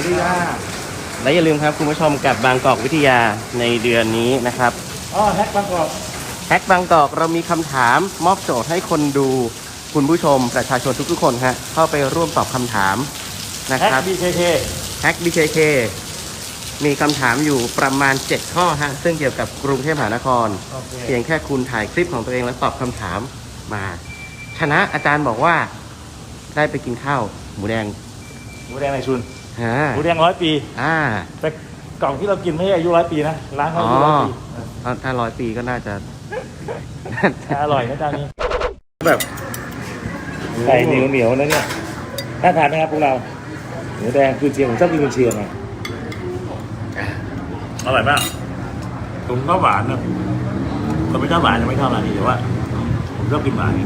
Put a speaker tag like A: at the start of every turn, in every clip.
A: ดีค่ะ
B: และอย่าลืมครับคุณผู้ชมกับบางกอกวิทยาในเดือนนี้นะครับ
A: แฮกบางกอก
B: เรามีคำถามมอบโจทย์ให้คนดูคุณผู้ชมประชาชนทุกๆคนฮะเข้าไปร่วมตอบคำถามนะครับ แฮก BKK มีคำถามอยู่ประมาณ7ข้อฮะซึ่งเกี่ยวกับกรุงเทพมหานครเพียงแค่คุณถ่ายคลิปของตัวเองแล้วตอบคำถามมาชนะอาจารย์บอกว่าได้ไปกินข้าวหมูแดง
A: ในชุนหมูแดง100 ปีแต่กล่องที่เรากินไม่ใช่อายุ100 ปีนะร้านเขาอายุ100 ปี
B: ถ้า100 ปีก็น่าจะ
A: อร่อยนะจานนี้
B: แบบ
A: ไก่เหนียวนะเนี่ยน่าทานไหมครับพวกเราหมูแดงคือเชียงผมชอบกินกุนเชียงนะอร่อยมากผมก็หวานนะคนไม่ชอบหวานจะไม่ชอบร้านนี้แต่ว่าผมชอบกินหวาน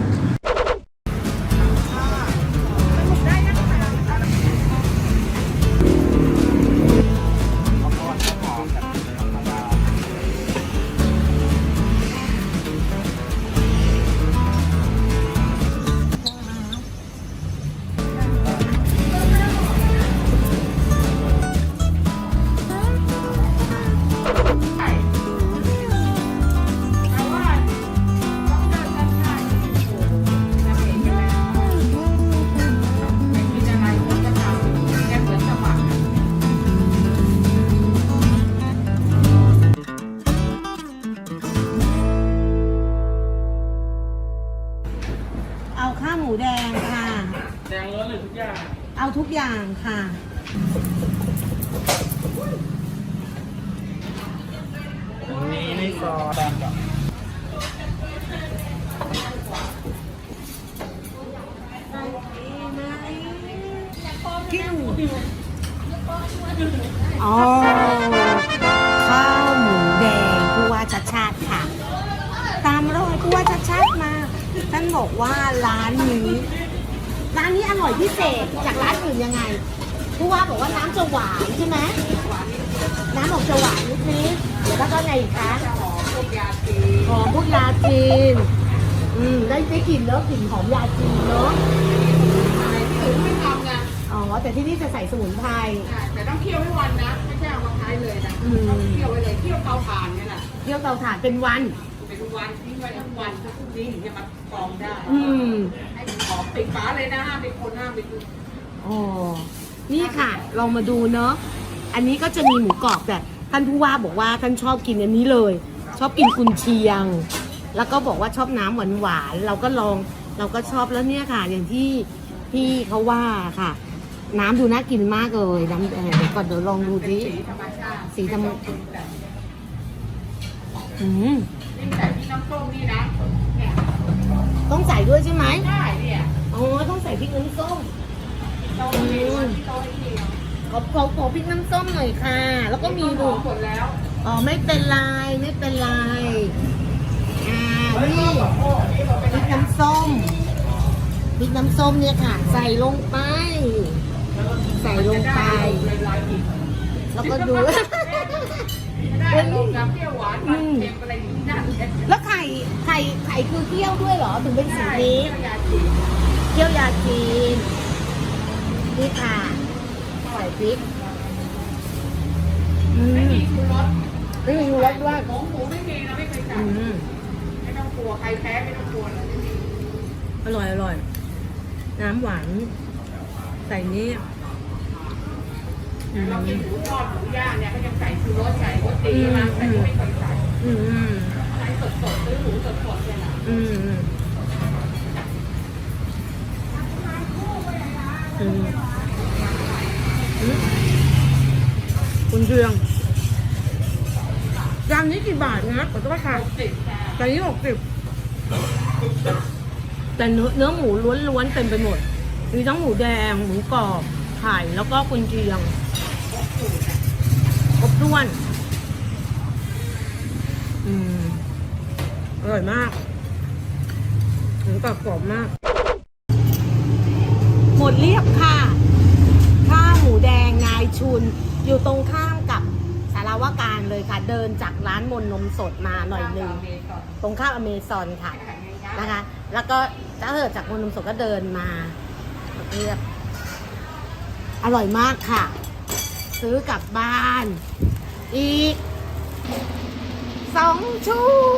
C: เอาข้าวหมูแดงค่ะ
A: แดงล้วนเลยทุกอย่าง
C: เอาทุกอย่างค่ะ
A: นี่ในซอสก่อน
C: กิ้วอ๋อข้าวหมูแดงผู้ว่าชัดชาติค่ะตามรอยผู้ว่าชัดชาติมาท่านบอกว่าร้านนี้อร่อยพิเศษจากร้านอื่นยังไงผู้ว่าบอกว่าน้ำจะหวานใช่ไหมน้ำออกจะหวานนิดๆแล้วก็ไงอีกคะหอมพวกยาจีนได้กลิ่นแล้วกลิ่นหอมยาจีนเนาะ
D: ที่อื่นไม่ทำไง
C: อ๋อแต่ที่นี่จะใส่สมุนไพร
D: แต่ต้องเคี่ยวให้วันนะไม่ใช่เอามาใช้เลยนะต้องเคี่ยวไว้เลยเคี่ยวเตาถ่านเนี่ยแหละ
C: เคี่ยวเตาถ่านเป็นวัน
D: ทิ้งไว้ทั้งวันพรุ่งนี้ถึงจะมากรองได้ให้หอมปิดฝาเลยนะห้ามไปคนห้ามไปดู
C: อ๋อนี่ค่ะลองมาดูเนาะอันนี้ก็จะมีหมูกรอบแต่ท่านผู้ว่าบอกว่าท่านชอบกินอันนี้เลยชอบกินกุนเชียงแล้วก็บอกว่าชอบน้ำหวานเราก็ลองเราก็ชอบแล้วเนี่ยค่ะอย่างที่พี่เขาว่าค่ะน้ำดูน่ากินมากเลยน้ำเดี๋ยวก่อนเดี๋ยวลองดูดิสีธรรมชาติ
D: ใส่ที่น้ำส้มนี่นะเนี่ย
C: ต้องใส่ด้วยใช่ไหม
D: ใช่เนี่ย
C: อ๋อต้องใส่พริกน้ำส้มขอพริกน้ำส้มหน่อยค่ะแล้วก็มีดู
D: หมดแล้ว
C: อ๋อไม่เป็นไรนี่พริกน้ำส้มเนี่ยค่ะใส่ลงไปแล้วก็ดู
D: เป็นน้ำเปรี้ยวหวานมันเค็มอะไรอย่างนี้นั่น
C: แล้วไข่คือเคี่ยวด้วยเหรอถึงเป็นสีนี้เคี่ยวยาจีนนี่ค่ะใส่พริก
D: ไม่มีชูรส
C: ด้วย
D: หมูไม่มีนะไม่เคยใส่ไม่ต้องกลัวใครแพ้ไม่ต้องกลัวเลย
C: อร่อยน้ำหวานใส่นี่
D: เรากินหมูทอดหมูย่างเนี่ยก็ยังใส่ชูรสใส่รสดีมาแต่ไม่เคยใส่ใส่สดซื้อหมูสดเลยนะ
C: คุณเชียงจานนี้กี่บาทนะขอโทษค่ะจานนี้60แต่เนื้อหมูล้วนๆเต็มไปหมดมีทั้งหมูแดงหมูกรอบไข่แล้วก็กุนเชียงครบถ้วนอร่อยมากหมูกรอบกรอบมากหมดเรียบค่ะข้าวหมูแดงนายชุนอยู่ตรงข้ามกับสารวการเลยค่ะเดินจากร้านมนนมสดมาหน่อยนึงตรงข้ามอเมซอนค่ะนะคะแล้วก็ถ้าเกิดจากมนนมสดก็เดินมาเรียบอร่อยมากค่ะซื้อกลับบ้าน อีก2 ชุด